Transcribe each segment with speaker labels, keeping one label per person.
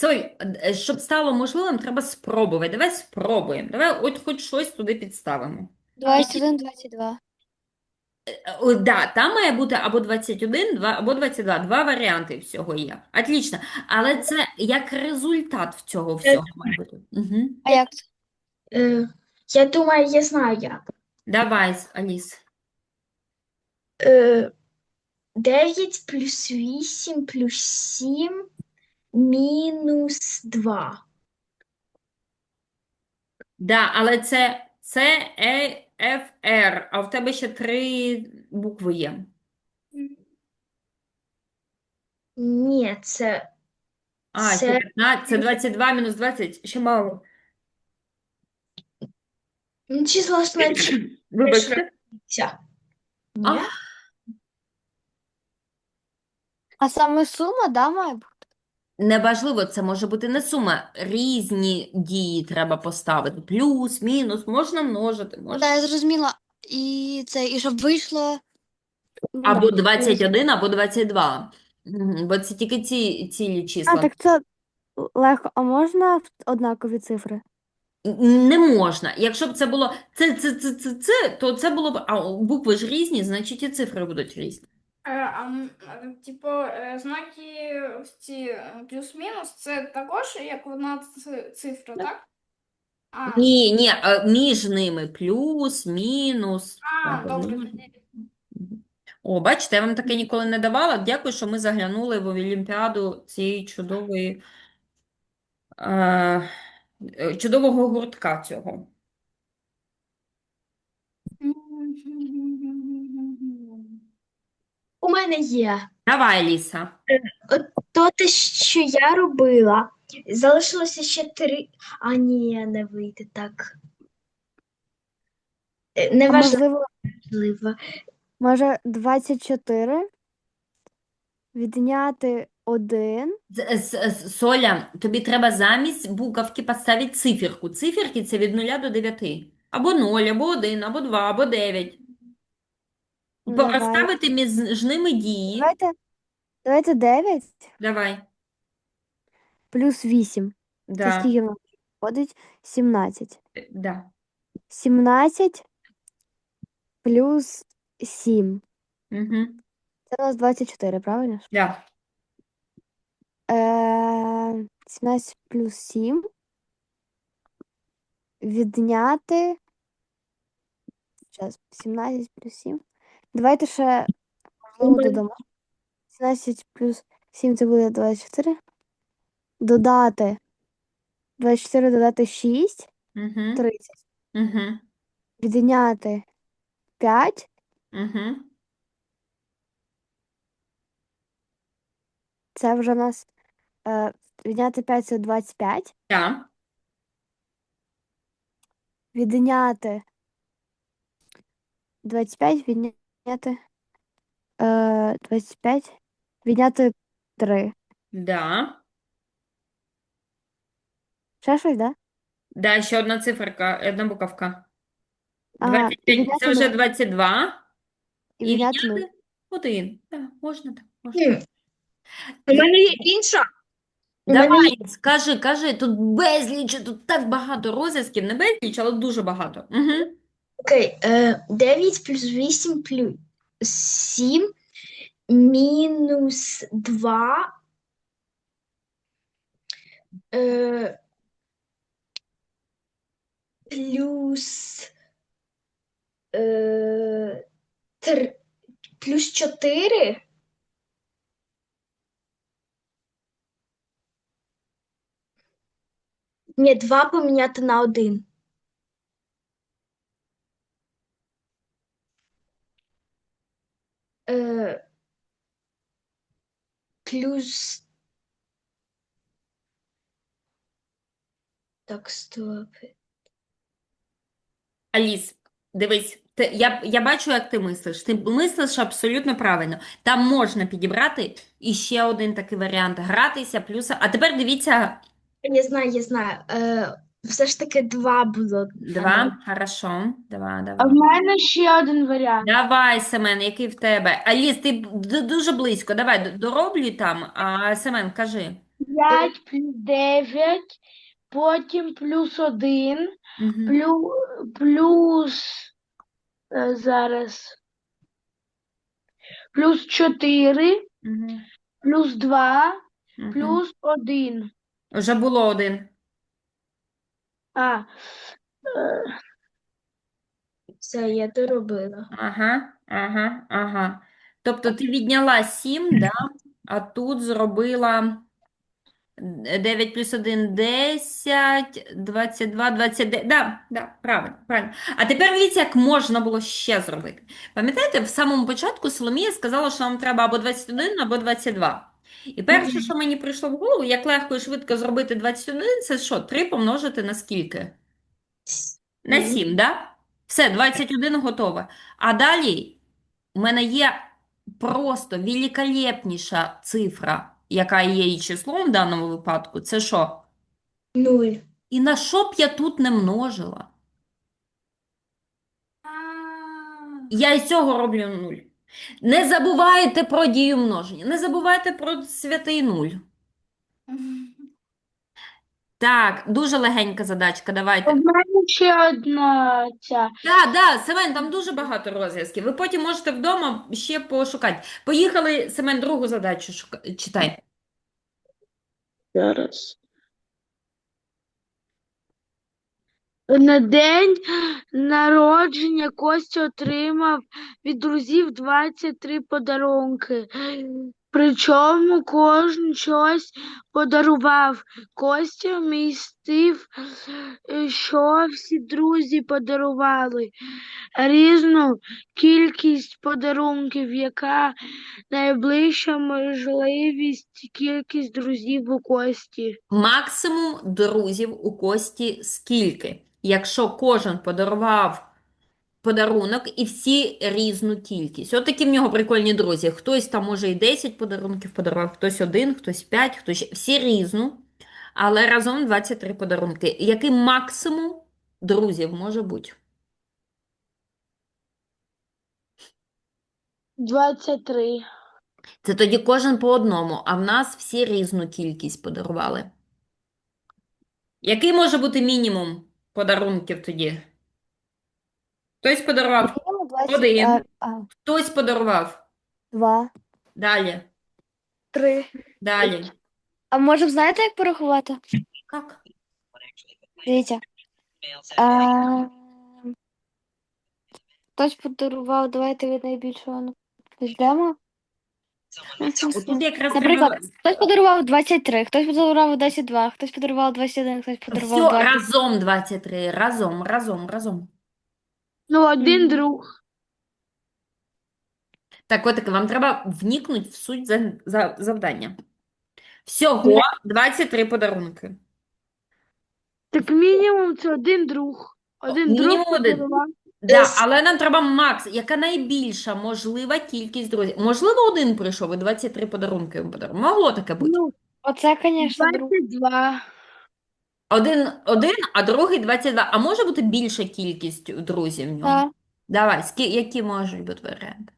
Speaker 1: Цой, щоб стало можливим, треба спробувати. Давай спробуємо. Давай от хоч щось туди підставимо.
Speaker 2: 21, 22.
Speaker 1: Да, там має бути або 21, або 22. Два варіанти всього є. Отлично. Але це як результат цього
Speaker 3: Е,
Speaker 1: всього має бути. Угу.
Speaker 2: А як це?
Speaker 3: е, Я думаю, я знаю як.
Speaker 1: Давай, Аліс.
Speaker 3: Е, 9 плюс 8 плюс 7 мінус 2.
Speaker 1: Да, але це Ф, Р, а в тебе ще три букви є.
Speaker 3: Ні, це,
Speaker 1: А, ще
Speaker 3: це
Speaker 1: 15, це 22 мінус 20, ще мало.
Speaker 3: число значиться.
Speaker 1: Вибачте.
Speaker 3: Ні?
Speaker 1: А,
Speaker 2: А саме сума, да, має бути?
Speaker 1: неважливо, це може бути не сума. Різні дії треба поставити. Плюс, мінус, можна множити,
Speaker 2: Ну,
Speaker 1: можна.
Speaker 2: да, я зрозуміла. І щоб вийшло, ну,
Speaker 1: Або
Speaker 2: плюс.
Speaker 1: 21, або 22. Бо це тільки ці цілі
Speaker 4: А,
Speaker 1: числа.
Speaker 4: так це легко. А можна однакові цифри?
Speaker 1: Не можна. Якщо б це було то це було б. А букви ж різні, значить і цифри будуть різні.
Speaker 5: Типу, знаки ось ці плюс-мінус, це також як одна цифра, так? А,
Speaker 1: Ні, ні, між ними плюс, мінус.
Speaker 5: добре, тоді.
Speaker 1: О, бачите, я вам таке ніколи не давала. Дякую, що ми заглянули в Олімпіаду цієї е, чудового гуртка цього.
Speaker 3: У мене є.
Speaker 1: Давай, Ліса.
Speaker 3: От то те, що я робила, залишилося ще 3. А ні, не вийде так.
Speaker 4: А
Speaker 3: Неважливо.
Speaker 4: може 24 відняти 1.
Speaker 1: Соля, тобі треба замість буковки поставити циферку. Циферки це від 0 до 9. Або 0, або 1, або 2, або 9.
Speaker 4: Давай.
Speaker 1: Розставити між ними дії.
Speaker 4: Давайте 9
Speaker 1: Давай.
Speaker 4: плюс 8. Це
Speaker 1: Да.
Speaker 4: скільки в нас виходить? 17.
Speaker 1: Да.
Speaker 4: 17 плюс 7.
Speaker 1: Угу.
Speaker 4: Це у нас 24, правильно ж?
Speaker 1: Да.
Speaker 4: 17 плюс 7 відняти. Зараз, 17 плюс 7. Давайте ще, можливо, додамо. 17 плюс 7 це буде 24. Додати 24 додати 6,
Speaker 1: Угу.
Speaker 4: 30.
Speaker 1: Угу.
Speaker 4: Відняти 5.
Speaker 1: Угу.
Speaker 4: Це вже у нас відняти 5 це 25.
Speaker 1: Да.
Speaker 4: Відняти 25, відняти 25, відняти 3.
Speaker 1: Да.
Speaker 4: Ще щось, да?
Speaker 1: Да, ще одна циферка, одна буковка.
Speaker 4: Ага, і
Speaker 1: 25, це
Speaker 4: відняти
Speaker 1: вже
Speaker 4: 0.
Speaker 1: 22.
Speaker 4: І
Speaker 1: І
Speaker 4: відняти 0.
Speaker 1: відняти 1. Так, можна так, можна.
Speaker 3: У мене є інша. У мене є.
Speaker 1: Давай, кажи, тут безліч, тут так багато розв'язків, не безліч, але дуже багато. Угу.
Speaker 3: Окей, 9 плюс 8 плюс 7 мінус 2 плюс 3, плюс 4. Ні, 2 поміняти на 1. Плюс. Так, стоп.
Speaker 1: Аліс, дивись, я бачу, як ти мислиш. Ти мислиш абсолютно правильно. Там можна підібрати і ще один такий варіант гратися, плюс. А тепер дивіться,
Speaker 3: Я знаю, я знаю. Все ж таки 2 було.
Speaker 1: два. Хорошо. Два,
Speaker 5: А в
Speaker 1: давай.
Speaker 5: мене ще один варіант.
Speaker 1: Давай, Семен, який в тебе? Аліс, ти дуже близько. Давай, дороблюй там. А Семен, кажи.
Speaker 5: 5 плюс 9, потім плюс 1,
Speaker 1: Мгм.
Speaker 5: плюс зараз плюс 4,
Speaker 1: Мгм.
Speaker 5: плюс 2,
Speaker 1: Мгм.
Speaker 5: плюс 1.
Speaker 1: Вже було один.
Speaker 5: А, е,
Speaker 3: Все, я доробила.
Speaker 1: Ага, ага, ага. Тобто ти відняла 7, да? А тут зробила 9 плюс 1 – 10, 22, 29. Да, да, правильно, правильно. А тепер дивіться, як можна було ще зробити. Пам'ятаєте, в самому початку Соломія сказала, що нам треба або 21, або 22. І перше, що мені прийшло в голову, як легко і швидко зробити 21, це що, 3 помножити на скільки? На 7, да? Все, 21 готове. А далі у мене є просто великолепніша цифра, яка є і числом в даному випадку. Це що?
Speaker 3: 0.
Speaker 1: І на що б я тут не множила? Я із цього роблю 0. Не забувайте про дію множення, не забувайте про святий 0. Так, дуже легенька задачка,
Speaker 5: у
Speaker 1: давайте.
Speaker 5: мене ще одна ця.
Speaker 1: Так, да, Семен, там дуже багато розв'язків. Ви потім можете вдома ще пошукати. Поїхали, Семен, другу задачу читай.
Speaker 5: Зараз. На день народження Костя отримав від друзів 23 подарунки. Причому кожен щось подарував. Костя містив, що всі друзі подарували. Різну кількість подарунків, яка найближча можливість кількість друзів у Кості.
Speaker 1: Максимум друзів у Кості скільки? Якщо кожен подарував подарунок і всі різну кількість. От такі в нього прикольні друзі. Хтось там може і 10 подарунків подарував, хтось один, хтось 5, хтось всі різну, але разом 23 подарунки. Який максимум друзів може бути?
Speaker 5: 23.
Speaker 1: Це тоді кожен по одному, а в нас всі різну кількість подарували. Який може бути мінімум подарунків тоді? Хтось подарував
Speaker 4: Мінімум 20,
Speaker 1: один, хтось подарував.
Speaker 4: 2,
Speaker 1: Далі,
Speaker 4: 3.
Speaker 1: далі.
Speaker 4: А може, знаєте, як порахувати?
Speaker 1: Як?
Speaker 4: Дивіться. А, хтось подарував, давайте від найбільшого почнемо.
Speaker 1: Отут якраз
Speaker 4: Наприклад,
Speaker 1: треба
Speaker 4: хтось подарував 23, хтось подарував 22, хтось подарував 21, хтось подарував
Speaker 1: все
Speaker 4: 20.
Speaker 1: разом 23. Разом, разом, разом.
Speaker 5: Ну, один
Speaker 4: Мгм.
Speaker 5: друг.
Speaker 1: Так, отаке, вам треба вникнути в суть завдання. Всього 23 подарунки.
Speaker 5: Так мінімум це один друг. Один друг
Speaker 1: Мінімум один.
Speaker 5: подарував.
Speaker 1: Да, але нам треба макс. Яка найбільша можлива кількість друзів? Можливо, один прийшов і 23 подарунки йому подарував. Могло таке бути.
Speaker 5: Ну,
Speaker 4: Оце, звісно, друг.
Speaker 5: 22.
Speaker 1: Один, а другий 22. А може бути більша кількість друзів в нього?
Speaker 4: Так.
Speaker 1: Давай, які можуть бути варіанти?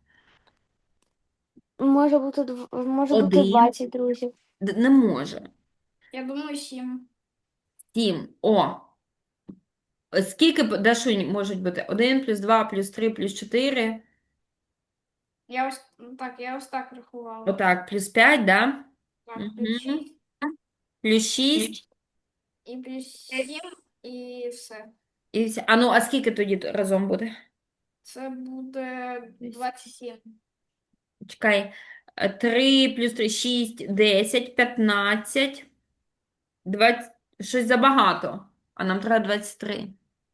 Speaker 4: Може бути
Speaker 1: Один.
Speaker 4: 20 друзів.
Speaker 1: Не може.
Speaker 5: Я думаю, 7.
Speaker 1: 7. О. Скільки, Дашунь, можуть бути? 1 плюс 2 плюс 3 плюс 4.
Speaker 5: Я ось так рахувала.
Speaker 1: Отак, плюс 5, да?
Speaker 5: Так,
Speaker 1: Мгм.
Speaker 5: плюс 6,
Speaker 1: Плюс 6.
Speaker 5: і плюс 7, і все.
Speaker 1: І все. А ну, а скільки тоді разом буде?
Speaker 5: Це буде 27.
Speaker 1: Чекай. 3 плюс 3, 6, 10, 15, 20. Щось забагато. А нам треба 23.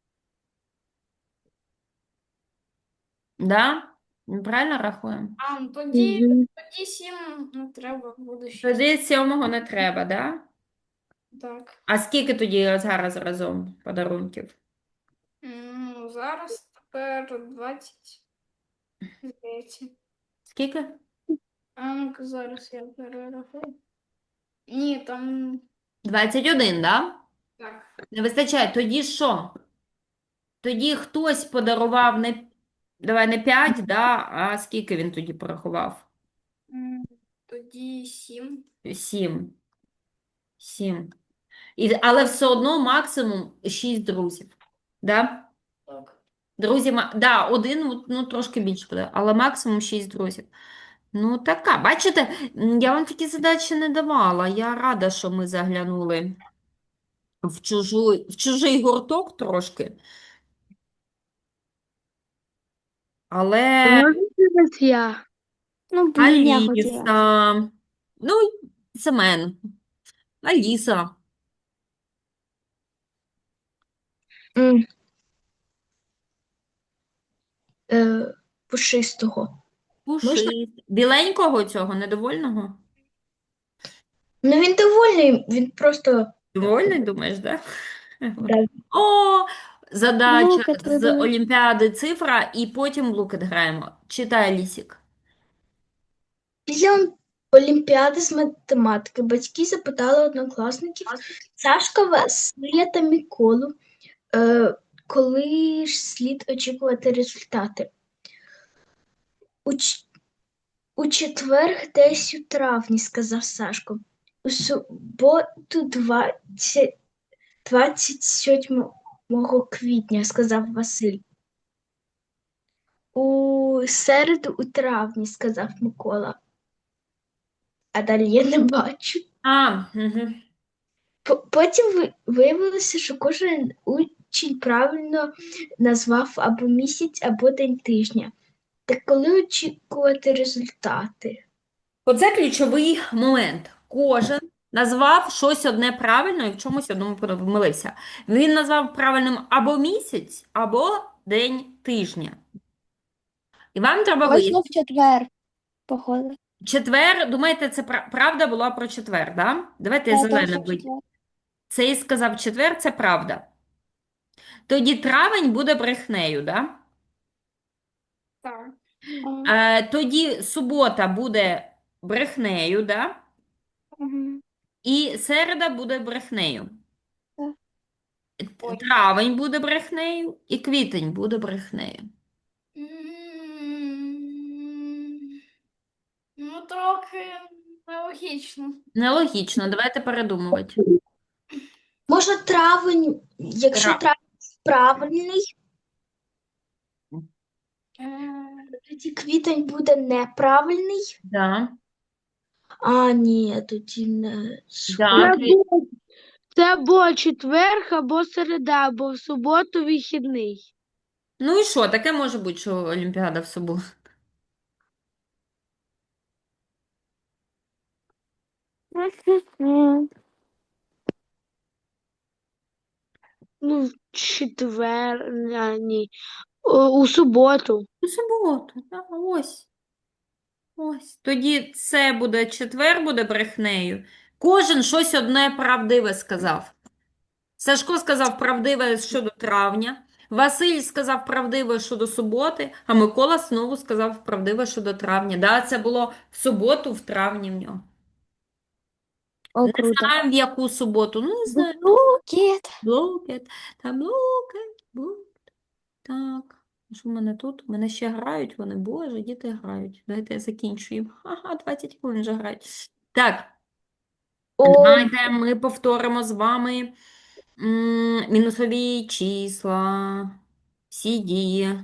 Speaker 1: Да? Ми правильно рахуємо?
Speaker 5: А, ну тоді 7 не треба, буде 6.
Speaker 1: Тоді 7 не треба, да?
Speaker 5: Так.
Speaker 1: А скільки тоді зараз разом подарунків?
Speaker 5: Ну, зараз тепер 20. Здається.
Speaker 1: Скільки?
Speaker 5: А ну-ка, зараз я перерахую. Ні, там
Speaker 1: 21, да?
Speaker 5: так.
Speaker 1: Не вистачає. Тоді що? Тоді хтось подарував не, давай не 5, да? А скільки він тоді порахував?
Speaker 5: Тоді 7.
Speaker 1: 7. 7. Але все одно максимум 6 друзів. Да?
Speaker 2: Так.
Speaker 1: Друзі, да, один ну, трошки більше буде, але максимум 6 друзів. Ну, така. Бачите, я вам такі задачі не давала. Я рада, що ми заглянули в чужий гурток трошки. Але
Speaker 5: А можна зараз я?
Speaker 4: Ну, блін, я хотіла.
Speaker 1: Аліса, ну, Семен, Аліса,
Speaker 3: М. Пушистого.
Speaker 1: Пушист. Біленького цього, недовольного?
Speaker 3: Ну він довольний, він просто
Speaker 1: Довольний, думаєш, да?
Speaker 3: да.
Speaker 1: О, задача
Speaker 4: Лукет
Speaker 1: з
Speaker 4: вибили.
Speaker 1: Олімпіади цифра, і потім Лукет граємо. Читай, Лісік.
Speaker 3: Після Олімпіади з математики батьки запитали однокласників Сашка, Василя та Миколу, коли ж слід очікувати результати. У четвер, десь у травні, сказав Сашко. У суботу 27 квітня, сказав Василь. У середу у травні, сказав Микола. А далі я не бачу.
Speaker 1: Угу.
Speaker 3: Потім виявилося, що кожен учень правильно назвав або місяць, або день тижня. Так коли очікувати результати?
Speaker 1: Оце ключовий момент. Кожен назвав щось одне правильно і в чомусь одному помилився. Він назвав правильним або місяць, або день тижня. І вам треба
Speaker 4: Точно
Speaker 1: вияснити.
Speaker 4: в четвер, походу.
Speaker 1: Четвер, думаєте, це правда була про четвер, да? Давайте
Speaker 4: Так,
Speaker 1: зелене
Speaker 4: точно в
Speaker 1: будь.
Speaker 4: четвер.
Speaker 1: Цей сказав четвер, це правда. Тоді травень буде брехнею, да?
Speaker 2: Так.
Speaker 4: Ага.
Speaker 1: Тоді субота буде брехнею, да?
Speaker 4: Мгм.
Speaker 1: І середа буде брехнею.
Speaker 4: Так.
Speaker 1: Травень буде брехнею, і квітень буде брехнею.
Speaker 2: Ну, трохи нелогічно.
Speaker 1: Нелогічно, давайте передумувати.
Speaker 3: Може, травень, якщо
Speaker 1: Тра-
Speaker 3: травень правильний,
Speaker 2: Е,
Speaker 3: тоді квітень буде неправильний.
Speaker 1: Да.
Speaker 3: А, ні, тоді не
Speaker 1: Да.
Speaker 5: Це або четверг, або середа, або в суботу вихідний.
Speaker 1: Ну і що, таке може бути, що Олімпіада в суботу.
Speaker 4: Мгм.
Speaker 5: Ну, в четвер, ні. У суботу.
Speaker 1: У суботу, да, ось. Ось. Тоді це буде четвер, буде брехнею. Кожен щось одне правдиве сказав. Сашко сказав правдиве щодо травня, Василь сказав правдиве щодо суботи, а Микола знову сказав правдиве щодо травня. Да, це було в суботу, в травні в нього.
Speaker 4: О,
Speaker 1: Не
Speaker 4: круто.
Speaker 1: знаю, в яку суботу, ну не знаю.
Speaker 4: Лукет.
Speaker 1: Блокет, та блокет. Так, що в мене тут? У мене ще грають вони, боже, діти грають. Давайте я закінчу їм. Ага, 20 хвилин вже грають. Так,
Speaker 3: О,
Speaker 1: давайте ми повторимо з вами мінусові числа, всі дії,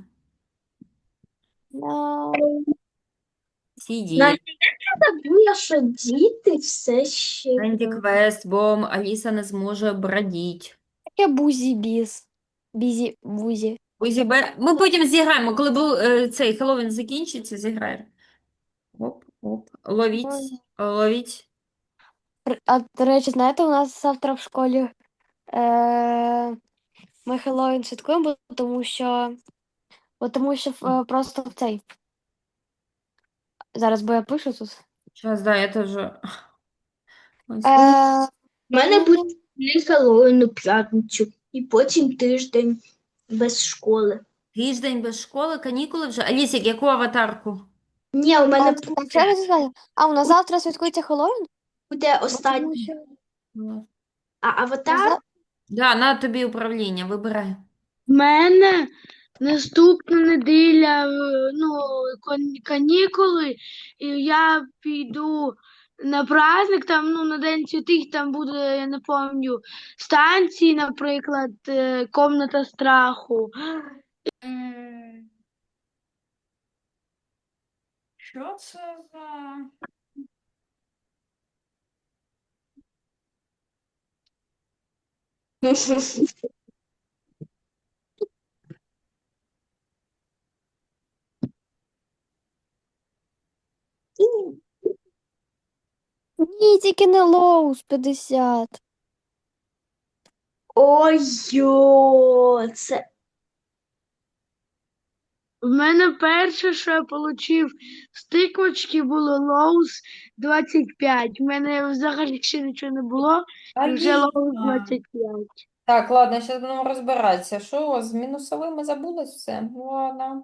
Speaker 4: Да.
Speaker 1: всі дії.
Speaker 3: знаєте, я забула, що діти все ще
Speaker 1: Енді квест, бо Аліса не зможе брадіть.
Speaker 4: Таке бузі-біз. Бізі-бузі.
Speaker 1: Ми потім зіграємо, коли цей Хеллоуін закінчиться, зіграємо. Оп, оп, ловіть, ловіть.
Speaker 4: А, до речі, знаєте, у нас завтра в школі ми Хеллоуін святкуємо, тому що просто в цей. Зараз, бо я пишу тут.
Speaker 1: Сейчас, да, я тоже. Ось.
Speaker 4: Е,
Speaker 3: в мене буде Хеллоуін у п'ятницю, і потім тиждень без школи.
Speaker 1: Тиждень без школи, канікули вже. Алісік, яку аватарку?
Speaker 3: Ні, у мене
Speaker 4: так, що я сказала? А, у нас завтра святкується Хеллоуін?
Speaker 3: буде
Speaker 4: Бо
Speaker 3: останній.
Speaker 4: тому що-
Speaker 3: А аватар
Speaker 4: Наза-
Speaker 1: Да, на тобі управління, вибирай.
Speaker 5: В мене наступна неділя, канікули, і я піду на праздник, там, ну, на День Святих, там буде, я не пам'ятаю, станції, наприклад, комната страху.
Speaker 1: Що це за...
Speaker 4: Ні, тільки не Лоус 50.
Speaker 3: Ой-йо, це
Speaker 5: В мене перше, що я отримав з тиквочки, було Lowe's 25. В мене взагалі ще нічого не було, і вже Lowe's
Speaker 1: Аліна.
Speaker 5: 25.
Speaker 1: Так, ладно, зараз будемо розбиратися. Що у вас з мінусовими забулось все? Ну, ладно.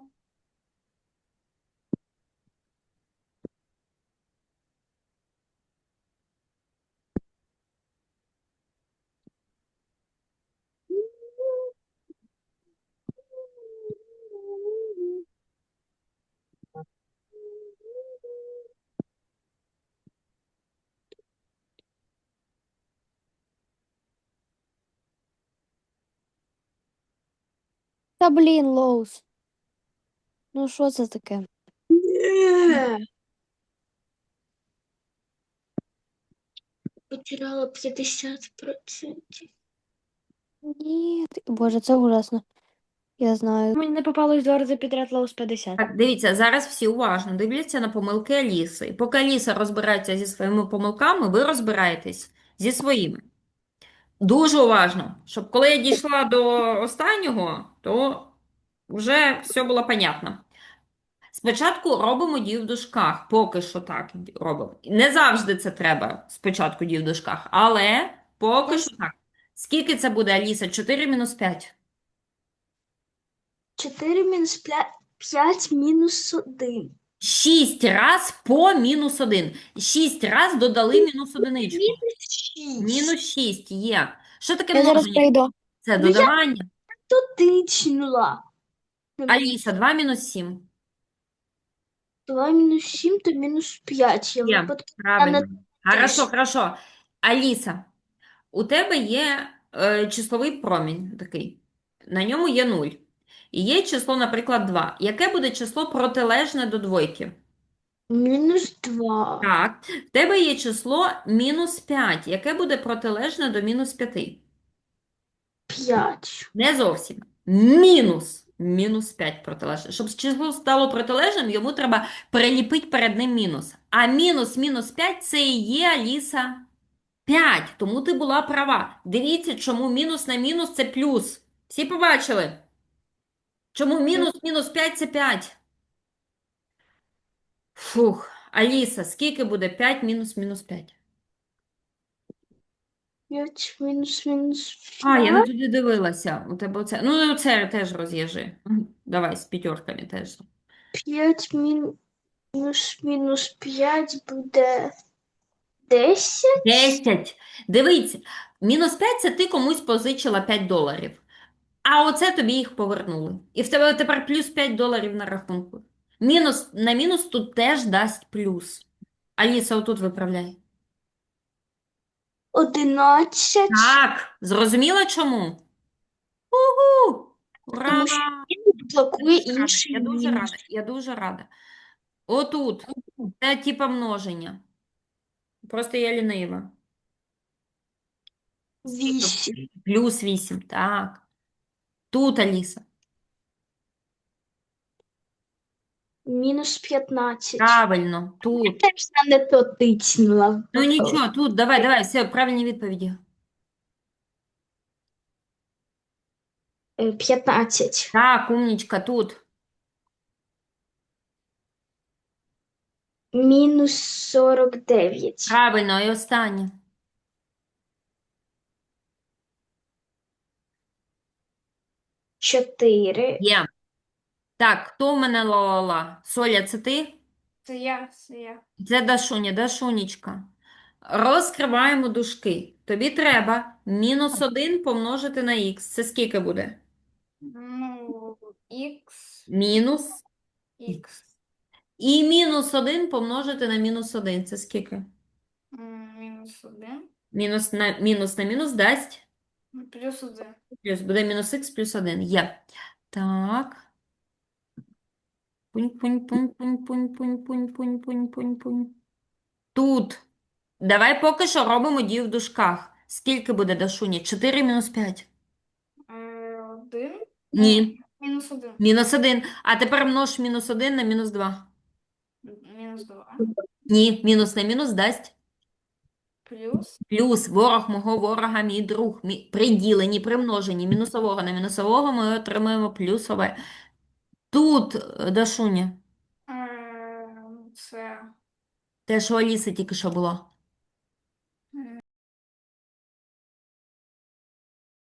Speaker 4: Та блін, Лоус. Ну що це таке?
Speaker 3: Ні. Потеряла 50%.
Speaker 4: Ні, Боже, це ужасно. Я знаю. Мені не попалось 2 рази підряд Лоус 50.
Speaker 1: Так, дивіться, зараз всі уважно дивляться на помилки Аліси. І поки Аліса розбирається зі своїми помилками, ви розбираєтесь зі своїми. Дуже уважно, щоб коли я дійшла до останнього, то вже все було понятно. Спочатку робимо дію в дужках, поки що так робимо. Не завжди це треба спочатку дію в дужках, але поки що так. Скільки це буде, Аліса? 4 мінус 5?
Speaker 3: 4 мінус 5 мінус 1.
Speaker 1: 6 раз по мінус 1. 6 раз додали мінус одиничку.
Speaker 3: Мінус 6.
Speaker 1: Мінус 6 є. Що таке
Speaker 4: Я зараз
Speaker 1: множення?
Speaker 4: прийду.
Speaker 1: Це
Speaker 3: Ну, я-
Speaker 1: додавання.
Speaker 3: Тичнула.
Speaker 1: Аліса, 2 мінус 7.
Speaker 3: 2 мінус 7, то мінус 5. Я
Speaker 1: Є,
Speaker 3: випадково
Speaker 1: правильно. Хорошо,
Speaker 3: теж.
Speaker 1: хорошо. Аліса, у тебе є числовий промінь такий. На ньому є 0. І є число, наприклад, 2. Яке буде число протилежне до двойки?
Speaker 3: Мінус 2.
Speaker 1: Так. В тебе є число мінус 5. Яке буде протилежне до мінус 5?
Speaker 3: 5.
Speaker 1: Не зовсім. Мінус 5 протилежне. Щоб число стало протилежним, йому треба приліпити перед ним мінус. А мінус 5 це і є, Аліса, 5. Тому ти була права. Дивіться, чому мінус на мінус це плюс. Всі побачили? Чому мінус 5 це 5? Фух. Аліса, скільки буде 5 мінус 5?
Speaker 3: 5 мінус
Speaker 1: А, я
Speaker 3: 5.
Speaker 1: не туди дивилася. У тебе оце. Ну, це теж роз'їжджи. Давай, з п'ятерками теж.
Speaker 3: 5 мінус 5 буде 10.
Speaker 1: 10. Дивіться, мінус 5 це ти комусь позичила $5. А оце тобі їх повернули. І в тебе тепер плюс $5 на рахунку. Мінус на мінус тут теж дасть плюс. Аліса, отут виправляй.
Speaker 3: 11.
Speaker 1: Так, зрозуміла чому? Угу! Ура!
Speaker 3: Тому що він блокує
Speaker 1: Я
Speaker 3: інший
Speaker 1: дуже
Speaker 3: мінус.
Speaker 1: рада, я дуже рада. Отут. Це типа множення. Просто я лінива.
Speaker 3: 8.
Speaker 1: Плюс 8, так. Тут, Аліса.
Speaker 3: Мінус 15.
Speaker 1: Правильно, тут.
Speaker 3: Теж я не то тицнула.
Speaker 1: Ну нічого, тут, давай, все, правильні відповіді.
Speaker 3: 15.
Speaker 1: Так, умнічка, тут.
Speaker 3: Мінус 49.
Speaker 1: Правильно, і останнє.
Speaker 3: 4.
Speaker 1: Є. Так, хто в мене ла-ла-ла? Соля, це ти?
Speaker 2: Це я.
Speaker 1: Це Дашуня, Дашунечка. Розкриваємо дужки. Тобі треба мінус 1 помножити на х. Це скільки буде?
Speaker 2: Ну, х,
Speaker 1: Мінус.
Speaker 2: х.
Speaker 1: І мінус 1 помножити на мінус 1. Це скільки?
Speaker 4: Мінус 1.
Speaker 1: Мінус на мінус дасть.
Speaker 4: Плюс 1.
Speaker 1: Плюс буде мінус х плюс 1. Є. Так. Пунь, пунь, пунь, пунь, пунь, пунь, пунь, пунь, пунь, пунь, пунь. Тут. Давай поки що робимо дію в дужках. Скільки буде, Дашуня? 4 мінус 5.
Speaker 4: 1.
Speaker 1: Ні.
Speaker 4: Мінус 1.
Speaker 1: Мінус 1. А тепер множ мінус 1 на мінус 2.
Speaker 4: Мінус 2.
Speaker 1: Ні. Мінус на мінус дасть.
Speaker 4: Плюс.
Speaker 1: Плюс ворог мого ворога, мій друг. При діленні, при множенні мінусового на мінусового ми отримаємо плюсове. Тут, Дашуня,
Speaker 4: Це
Speaker 1: те, що у Аліси тільки що було.